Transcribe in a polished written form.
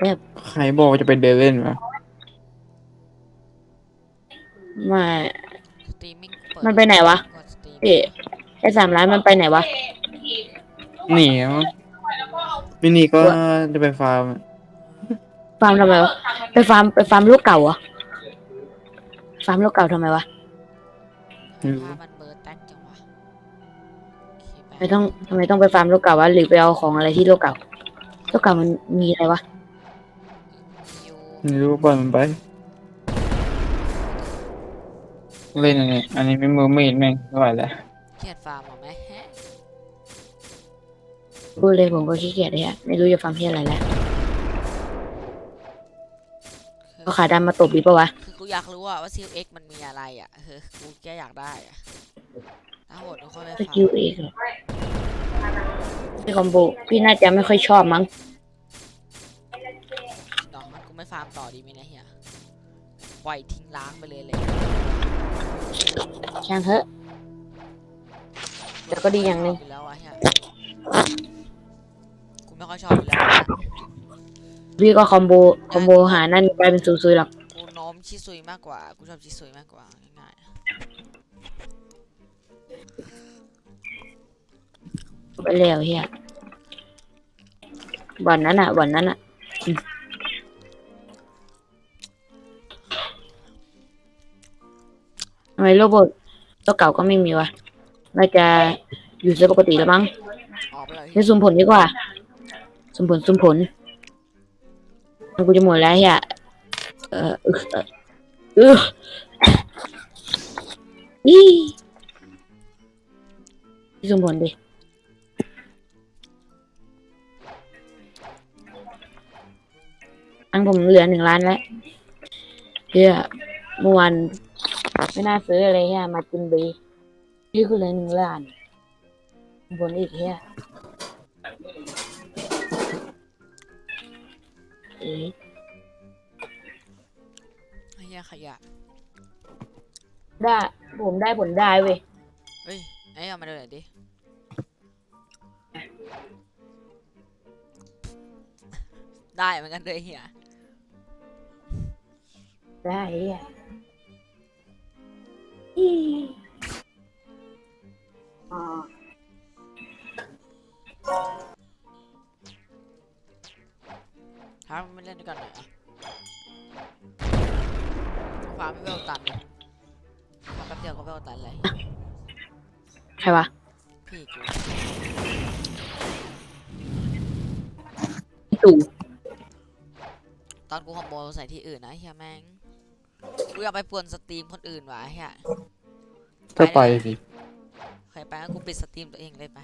แบบใครบอกว่าจะไปเดินเล่นวะไม่สตรีมมิ่งเปิดมันไปไหนวะกดสตรีมพี่ไอ้3 ล้านมันไปไหนวะหนีมั้งไม่หนีก็วะจะไปฟาร์มฟาร์มทำไมวะไปฟาร์มลูกเก่าเหรอฟาร์มลูกเก่าทำไมวะไม่รู้ภาพมันเบลอร์แท็กจังวะโอเคไปไม่ต้องทำไมต้องไปฟาร์มลูกเก่าวะหรือไปเอาของอะไรที่ลูกเก่าลูกเก่ามันมีอะไรวะอยู่ไม่รู้ปล่อยมันไปเล่นอันนี้ไม่มือมีดแม่งไม่ไหวแล้วเกียดฟาร์มเหรอไหมฮะพูดเลยผมก็ขี้เกียจเลยอะไม่รู้จะฟาร์มที่อะไรแล้วคือก็ขาดำมาตบดีปะวะคือกูอยากรู้ว่าซิลเอ็กมันมีอะไรอ่ะกูแค่อยากได้อ่ะถ้าโหดก็ค่อยไปสฟาร์มกิลเอกเหรอพี่คอมโบพี่น่าจะไม่ค่อยชอบมั้งดอกมันกูไม่ฟาร์มต่อดีไหมเนี่ยเฮียปล่อยทิ้งล้างไปเลยช่างเถอะแต่ก็ดีอย่างหนึ่งอยู่แล้วอะเฮียกูไม่ค่อยชอบอยู่แล้วอะพี่ก็คอมโบหานั่นกลายเป็นซุยๆหรอกกูโน้มชิซุยมากกว่ากูชอบชิซุยมากกว่าง่ายไปแล้วเฮียวันนั้นอะทำไมโรบอทตัวเก่าก็ไม่มีวะน่าจะอยู่เซิร์ฟปกติแล้วมั้งๆออกไปเลยเฮีนี่ยสุ่มผลดีกว่าสุ่มผลมันกูจะหมดแล้วเฮียเออเออเอออีสุ่มผลดิอังผมเหลือ1 ล้านแล้วเฮียเมื่อวานไม่น่าซื้ออะไรเฮียมาจินบีนี่คือเลย1 ล้านสุ่มผลอีกเฮียเอ๊ะเฮียขยะได้ผมได้ผลได้เว้ยเฮ้ยไอ้เอามาดูหน่อยดิได้เหมือนกันเลยเฮียได้อ่ะอีอ๋อถ้าไม่เล่นด้วยกันหน่อยอะฟาร์มไม่เวลตันเลยฟาร์มแป๊บเดียวก็เวลตันเลยใครวะพี่กูตู่ตอนกูคอมโบใส่ที่อื่นนะเฮียแม่งกูอยากไปป่วนสตรีมคนอื่นว่ะเฮียก็ไปสิเคยไปงั้นกูปิดสตรีมตัวเองเลยไป